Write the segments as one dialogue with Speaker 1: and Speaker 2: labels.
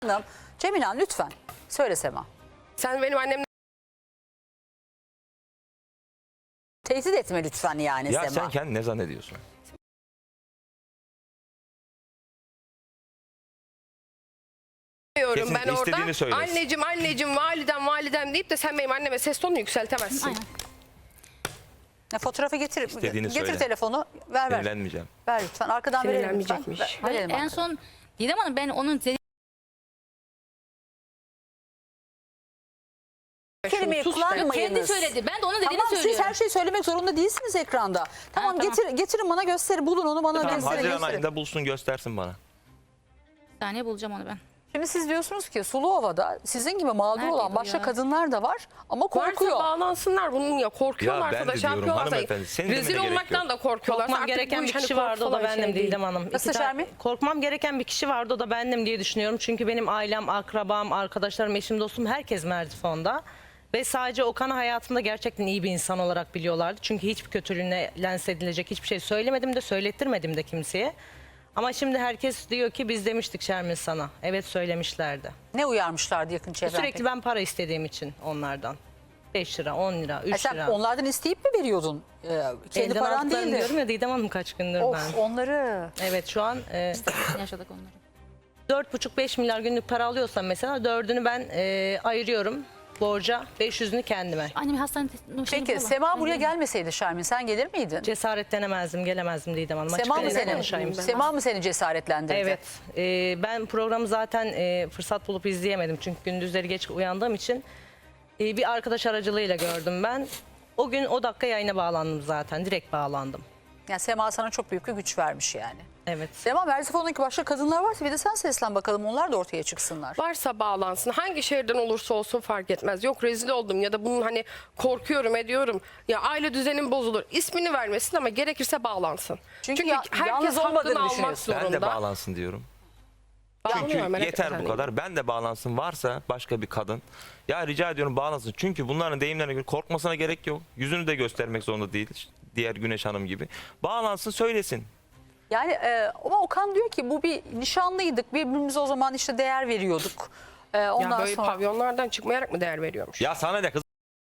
Speaker 1: Hanım, Cemilan lütfen söyle Sema.
Speaker 2: Sen benim annemle
Speaker 1: Tehdit etme lütfen yani
Speaker 3: Ya
Speaker 1: Sema.
Speaker 3: sen kendini ne zannediyorsun?
Speaker 2: diyorum
Speaker 3: Kesin
Speaker 2: ben orada.
Speaker 3: istediğini söylesin.
Speaker 2: Anneciğim, validem deyip de sen benim anneme ses tonunu yükseltemezsin.
Speaker 4: Aynen.
Speaker 1: Ya, fotoğrafı getir.
Speaker 3: İstediğini
Speaker 1: Getir
Speaker 3: söyle.
Speaker 1: telefonu. Ver.
Speaker 3: Sinirlenmeyeceğim.
Speaker 1: Ver lütfen. Arkadan verelim lütfen.
Speaker 2: Sinirlenmeyecekmiş.
Speaker 4: Hayır,
Speaker 1: Verelim
Speaker 4: en
Speaker 1: arkadan.
Speaker 4: son Didem Hanım ben onun
Speaker 1: Kelimeyi
Speaker 2: Sus be.
Speaker 1: kullanmayınız.
Speaker 4: kendi söyledi. Ben de onun dediğini
Speaker 1: Tamam, siz
Speaker 4: söylüyorum.
Speaker 1: her şeyi söylemek zorunda değilsiniz ekranda. Tamam,
Speaker 4: tamam.
Speaker 1: getirin bana gösterin. Bulun onu bana
Speaker 3: Tamam,
Speaker 1: gösterin.
Speaker 3: Haziran
Speaker 1: gösterin.
Speaker 3: ayında bulsun göstersin bana.
Speaker 4: Bir saniye bulacağım onu ben.
Speaker 1: Şimdi siz diyorsunuz ki Suluova'da sizin gibi mağdur
Speaker 4: Nerede
Speaker 1: olan
Speaker 4: bu
Speaker 1: başka
Speaker 4: ya?
Speaker 1: kadınlar da var ama korkuyor.
Speaker 2: Varsa bağlansınlar bunun ya. Korkuyorlarsa
Speaker 3: Ya ben
Speaker 2: da
Speaker 3: de
Speaker 2: şey
Speaker 3: diyorum
Speaker 2: yapıyorlarsa.
Speaker 3: hanımefendi, senin demene
Speaker 2: Rezil
Speaker 3: gerek
Speaker 2: olmaktan
Speaker 3: yok.
Speaker 2: da korkuyorlarsa.
Speaker 5: Korkmam
Speaker 2: artık
Speaker 5: gereken
Speaker 2: bu
Speaker 5: bir
Speaker 2: iş hani
Speaker 5: kişi vardı, o da
Speaker 2: korku falan
Speaker 5: bendim
Speaker 2: şey değil.
Speaker 5: Didem Hanım.
Speaker 1: Nasıl
Speaker 5: İki tane-
Speaker 1: Şermin?
Speaker 5: Korkmam gereken bir kişi vardı, o da bendim diye düşünüyorum. Çünkü benim ailem, akrabam, arkadaşlarım, eşim, dostum herkes Merzifon'da. Ve sadece Okan'ı hayatımda gerçekten iyi bir insan olarak biliyorlardı. Çünkü hiçbir kötülüğüne lens edilecek hiçbir şey söylemedim de söylettirmedim de kimseye. Ama şimdi herkes diyor ki biz demiştik Şermin sana. Evet, söylemişlerdi.
Speaker 1: Ne uyarmışlardı yakın çevrem?
Speaker 5: Sürekli ben para istediğim için onlardan. 5 lira, 10 lira, 3
Speaker 1: Sen
Speaker 5: lira.
Speaker 1: onlardan isteyip mi veriyordun? Kendi
Speaker 5: Elden
Speaker 1: paran
Speaker 5: aldıklarını
Speaker 1: değildi.
Speaker 5: diyorum ya Didem Hanım, kaç gündür
Speaker 1: Of,
Speaker 5: ben.
Speaker 1: onları.
Speaker 5: Evet, şu an
Speaker 4: Yaşadık onları.
Speaker 5: 4,5-5 milyar günlük para alıyorsam mesela 4'ünü ben ayırıyorum borca, 500'ünü kendime.
Speaker 4: Annem hastanede.
Speaker 1: Peki Sema buraya gelmeseydi Şermin sen gelir miydin?
Speaker 5: Cesaretlenemezdim, gelemezdim Didem Hanım.
Speaker 1: Sema mı
Speaker 5: Açık
Speaker 1: seni?
Speaker 5: konuşayım.
Speaker 1: Sema mı seni cesaretlendirdi?
Speaker 5: Evet. Ben programı zaten fırsat bulup izleyemedim. Çünkü gündüzleri geç uyandığım için bir arkadaş aracılığıyla gördüm ben. O gün o dakika yayına bağlandım zaten. Direkt bağlandım.
Speaker 1: Yani Sema sana çok büyük bir güç vermiş yani.
Speaker 5: Evet.
Speaker 1: Sema, Merzifon'daki başka kadınlar varsa bir de sen seslen bakalım, onlar da ortaya çıksınlar.
Speaker 2: Varsa bağlansın. Hangi şehirden olursa olsun fark etmez. Yok rezil oldum ya da bunun hani korkuyorum ediyorum. Ya aile düzenim bozulur. İsmini vermesin ama gerekirse bağlansın.
Speaker 1: Çünkü
Speaker 2: Çünkü
Speaker 1: yalnız
Speaker 2: herkes
Speaker 1: olmadığını
Speaker 2: hakkını almak
Speaker 1: düşünüyorsun.
Speaker 2: zorunda.
Speaker 3: Ben de bağlansın diyorum.
Speaker 2: Bağlanıyor,
Speaker 3: Çünkü
Speaker 2: merak
Speaker 3: yeter
Speaker 2: etme
Speaker 3: bu
Speaker 2: sen
Speaker 3: kadar. Ben de bağlansın. Varsa başka bir kadın. Ya rica ediyorum bağlansın. Çünkü bunların deyimlerine göre korkmasına gerek yok. Yüzünü de göstermek zorunda değil. Diğer Güneş Hanım gibi. Bağlansın, söylesin.
Speaker 1: Yani ama Okan diyor ki bu bir nişanlıydık. Birbirimize o zaman işte değer veriyorduk. Ondan
Speaker 2: Ya böyle
Speaker 1: sonra
Speaker 2: pavyonlardan çıkmayarak mı değer veriyormuş?
Speaker 3: Ya sana ne kız?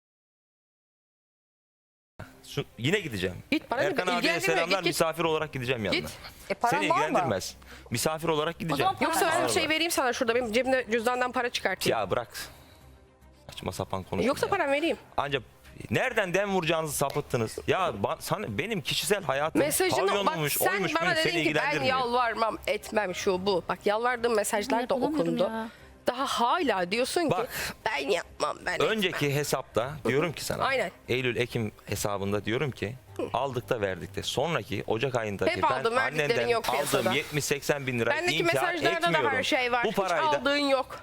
Speaker 3: Yine gideceğim.
Speaker 2: Git, bana ne?
Speaker 3: Erkan abiye
Speaker 2: İlgilendirme,
Speaker 3: selamlar,
Speaker 2: git.
Speaker 3: misafir olarak gideceğim yanına.
Speaker 2: Git.
Speaker 1: paran
Speaker 3: Seni
Speaker 1: var mı?
Speaker 3: ilgilendirmez. Misafir olarak gideceğim.
Speaker 4: zaman
Speaker 2: Yoksa ben bir
Speaker 3: Ağır
Speaker 2: şey
Speaker 3: var.
Speaker 2: vereyim sana şurada. Benim cebimde cüzdandan para çıkartayım.
Speaker 3: Ya bırak. Saçma sapan konuşma.
Speaker 2: Yoksa
Speaker 3: ya.
Speaker 2: param vereyim.
Speaker 3: Ancak nereden dem vuracağınızı sapıttınız. Ya sana, benim kişisel hayatım
Speaker 2: Mesajını bak,
Speaker 3: pavyonmuş,
Speaker 2: sen
Speaker 3: oymuş,
Speaker 2: bana
Speaker 3: buymuş, seni
Speaker 2: dedin ki ben
Speaker 3: ilgilendirmiyor.
Speaker 2: yalvarmam etmem şu bu. Bak yalvardığım mesajlar da
Speaker 4: Bulamıyorum
Speaker 2: okundu.
Speaker 4: ya.
Speaker 2: Daha hala diyorsun ki
Speaker 3: Bak,
Speaker 2: ben yapmam ben etmem.
Speaker 3: Önceki hesapta diyorum ki sana.
Speaker 2: Aynen.
Speaker 3: Eylül-Ekim hesabında diyorum ki aldık da verdik de. Sonraki Ocak ayındaki
Speaker 2: Hep
Speaker 3: ben
Speaker 2: aldım, verdiklerin
Speaker 3: annenden
Speaker 2: yok piyasada.
Speaker 3: aldığım 70-80 bin lira
Speaker 2: Bendeki
Speaker 3: inkar
Speaker 2: mesajlarda
Speaker 3: etmiyorum.
Speaker 2: da her şey var.
Speaker 3: Bu
Speaker 2: Hiç
Speaker 3: parayı da
Speaker 2: aldığın yok.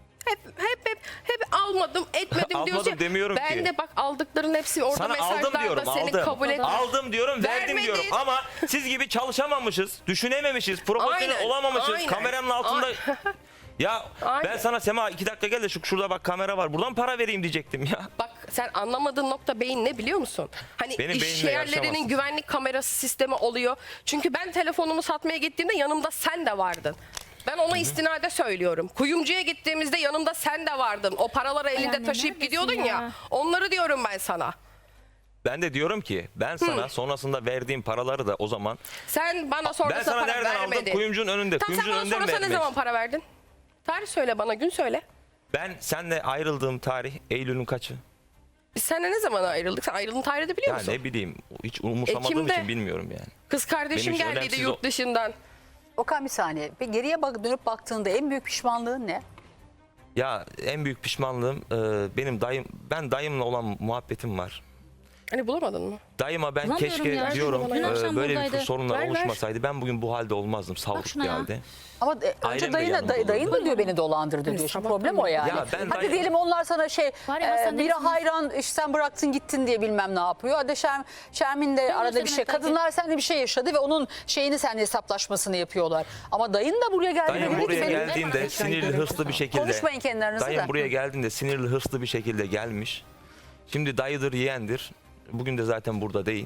Speaker 2: Hep almadım etmedim
Speaker 3: Almadım
Speaker 2: diyorsun.
Speaker 3: demiyorum
Speaker 2: ben
Speaker 3: ki.
Speaker 2: de bak aldıkların hepsi orada
Speaker 3: sana aldım
Speaker 2: mesajlarda
Speaker 3: diyorum,
Speaker 2: seni
Speaker 3: aldım.
Speaker 2: kabul et.
Speaker 3: Aldım diyorum, verdim
Speaker 2: Vermedin.
Speaker 3: diyorum. Ama siz gibi çalışamamışız, düşünememişiz, profesyonel
Speaker 2: Aynen,
Speaker 3: olamamışız.
Speaker 2: aynen.
Speaker 3: Kameranın altında... Ya
Speaker 2: Aynen.
Speaker 3: ben sana Sema 2 dakika gel de şurada bak kamera var. Buradan para vereyim diyecektim ya.
Speaker 2: Bak sen anlamadığın nokta beyin ne biliyor musun? Hani
Speaker 3: Benim
Speaker 2: iş
Speaker 3: beynimle
Speaker 2: yerlerinin
Speaker 3: yarışamazsın.
Speaker 2: güvenlik kamerası sistemi oluyor. Çünkü ben telefonumu satmaya gittiğimde yanımda sen de vardın. Ben ona istinade söylüyorum. Kuyumcuya gittiğimizde yanımda sen de vardın. O paraları elinde
Speaker 4: anne,
Speaker 2: taşıyıp
Speaker 4: neredesin
Speaker 2: gidiyordun ya.
Speaker 4: ya?
Speaker 2: Onları diyorum ben sana.
Speaker 3: Ben de diyorum ki ben sana sonrasında verdiğim paraları da o zaman
Speaker 2: Sen bana
Speaker 3: ben
Speaker 2: sonrasında
Speaker 3: sana
Speaker 2: para
Speaker 3: nereden
Speaker 2: vermedin.
Speaker 3: aldım? Kuyumcunun önünde.
Speaker 2: Tamam, sen
Speaker 3: Kuyumcunun
Speaker 2: bana
Speaker 3: önünden
Speaker 2: sonrasında ne
Speaker 3: verdim.
Speaker 2: zaman para verdin? Tarih söyle bana, gün söyle.
Speaker 3: Ben seninle ayrıldığım tarih Eylül'ün kaçı?
Speaker 2: Biz seninle ne zaman ayrıldık? Sen ayrıldığın tarihi de biliyor
Speaker 3: Ya
Speaker 2: musun?
Speaker 3: ne bileyim, hiç umursamadığım
Speaker 2: Ekim'de.
Speaker 3: için bilmiyorum yani.
Speaker 2: Kız kardeşim
Speaker 3: Benim için
Speaker 2: geldiydi
Speaker 3: önemsiz
Speaker 2: yurt dışından.
Speaker 1: Okan bir saniye. Bir geriye dönüp baktığında en büyük pişmanlığın ne?
Speaker 3: Ya en büyük pişmanlığım benim dayımla olan muhabbetim var.
Speaker 2: Hani bulamadın mı?
Speaker 3: Dayıma ben
Speaker 4: Bulamıyorum
Speaker 3: keşke
Speaker 4: ya.
Speaker 3: diyorum
Speaker 2: Dün
Speaker 4: akşam
Speaker 3: böyle bir
Speaker 4: buradaydı.
Speaker 3: sorunlar
Speaker 2: Ver.
Speaker 3: oluşmasaydı ben bugün bu halde olmazdım. Sağlık
Speaker 4: şuna ya.
Speaker 3: geldi.
Speaker 1: Ama önce
Speaker 3: Ailem de yanımda
Speaker 1: dayın da
Speaker 3: olurdu.
Speaker 1: diyor beni dolandırdı diyor. Şimdi
Speaker 2: sabahtan
Speaker 1: problem o yani.
Speaker 3: Ya ben
Speaker 1: Hadi diyelim onlar sana
Speaker 4: Var ya, hastanede
Speaker 1: biri
Speaker 4: misiniz?
Speaker 1: hayran işte sen bıraktın gittin diye bilmem ne yapıyor. Hadi Şermin de arada bir şey.
Speaker 4: söylemek
Speaker 1: Kadınlar seninle bir şey yaşadı ve onun şeyini seninle hesaplaşmasını yapıyorlar. Ama dayın da buraya geldi.
Speaker 3: Dayım
Speaker 1: dedi ki
Speaker 3: buraya
Speaker 1: benim-
Speaker 3: geldiğinde sinirli hırslı bir şekilde.
Speaker 1: Konuşmayın kendi aranızda
Speaker 3: Dayım
Speaker 1: da.
Speaker 3: buraya geldiğinde sinirli hırslı bir şekilde gelmiş. Şimdi dayıdır yeğendir. Bugün de zaten burada değil.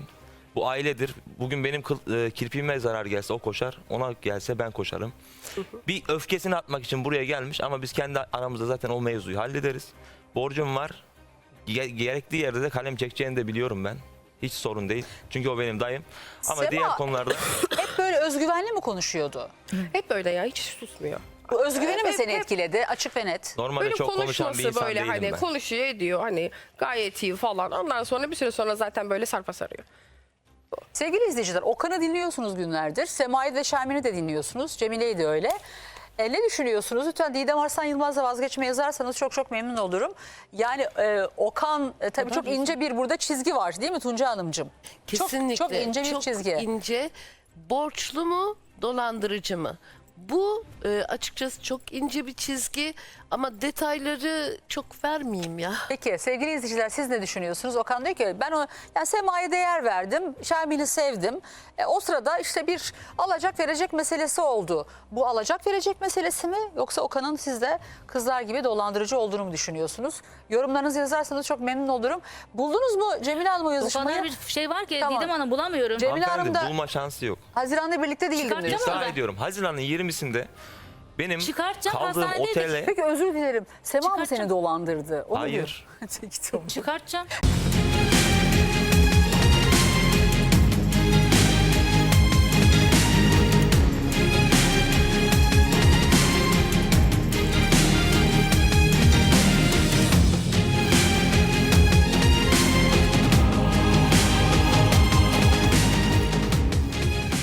Speaker 3: Bu ailedir. Bugün benim kirpiğime zarar gelse o koşar. Ona gelse ben koşarım. Bir öfkesini atmak için buraya gelmiş ama biz kendi aramızda zaten o mevzuyu hallederiz. Borcum var. Gerektiği yerde de kalem çekeceğini de biliyorum ben. Hiç sorun değil. Çünkü o benim dayım. Ama
Speaker 1: Sema,
Speaker 3: diğer konularda
Speaker 1: Hep böyle özgüvenli mi konuşuyordu?
Speaker 2: Hep böyle ya, hiç susmuyor.
Speaker 1: Bu özgüveni mi
Speaker 2: Hep-
Speaker 1: seni
Speaker 2: hep-
Speaker 1: etkiledi? Açık ve net.
Speaker 3: normalde
Speaker 2: Böyle
Speaker 3: çok konuşan bir
Speaker 2: konuşması
Speaker 3: insan
Speaker 2: böyle
Speaker 3: değilim
Speaker 2: hani
Speaker 3: ben.
Speaker 2: konuşuyor ediyor hani gayet iyi falan. Ondan sonra bir süre sonra zaten böyle sarpa sarıyor.
Speaker 1: Sevgili izleyiciler, Okan'ı dinliyorsunuz günlerdir. Sema'yı ve Şermin'i de dinliyorsunuz. Cemile'yi de öyle. Ne düşünüyorsunuz? Lütfen Didem Arslan Yılmaz'la vazgeçme yazarsanız çok çok memnun olurum. Yani Okan tabii çok ince bir burada çizgi var değil mi Tunca Hanımcığım?
Speaker 6: Kesinlikle.
Speaker 1: Çok ince bir
Speaker 6: Çok
Speaker 1: çizgi.
Speaker 6: ince. Borçlu mu, dolandırıcı mı? Bu açıkçası çok ince bir çizgi ama detayları çok vermeyeyim ya.
Speaker 1: Peki sevgili izleyiciler siz ne düşünüyorsunuz? Okan diyor ki ben yani Sema'ya değer verdim, Şermin'i sevdim. O sırada işte bir alacak verecek meselesi oldu. Bu alacak verecek meselesi mi yoksa Okan'ın sizde kızlar gibi dolandırıcı olduğunu mu düşünüyorsunuz? Yorumlarınızı yazarsanız çok memnun olurum. Buldunuz mu Cemile Hanım o
Speaker 4: O
Speaker 1: yazışmayı?
Speaker 4: kadar bir şey var ki
Speaker 1: Tamam.
Speaker 4: Didem Hanım bulamıyorum.
Speaker 1: Cemile
Speaker 3: Hanımefendi,
Speaker 1: Hanım da
Speaker 3: bulma şansı yok.
Speaker 1: Haziran'da birlikte değildim diyor.
Speaker 4: Çıkartacağım
Speaker 3: İddia
Speaker 4: ben.
Speaker 3: ediyorum. Haziran'ın 20'sinde benim
Speaker 4: Çıkartacağım,
Speaker 3: kaldığım
Speaker 4: hastanedeydik.
Speaker 3: otele...
Speaker 1: Peki özür dilerim. Sema mı seni
Speaker 4: Çıkartacağım.
Speaker 1: dolandırdı? Onu
Speaker 3: Hayır.
Speaker 1: diyor. Peki, tamam.
Speaker 4: Çıkartacağım.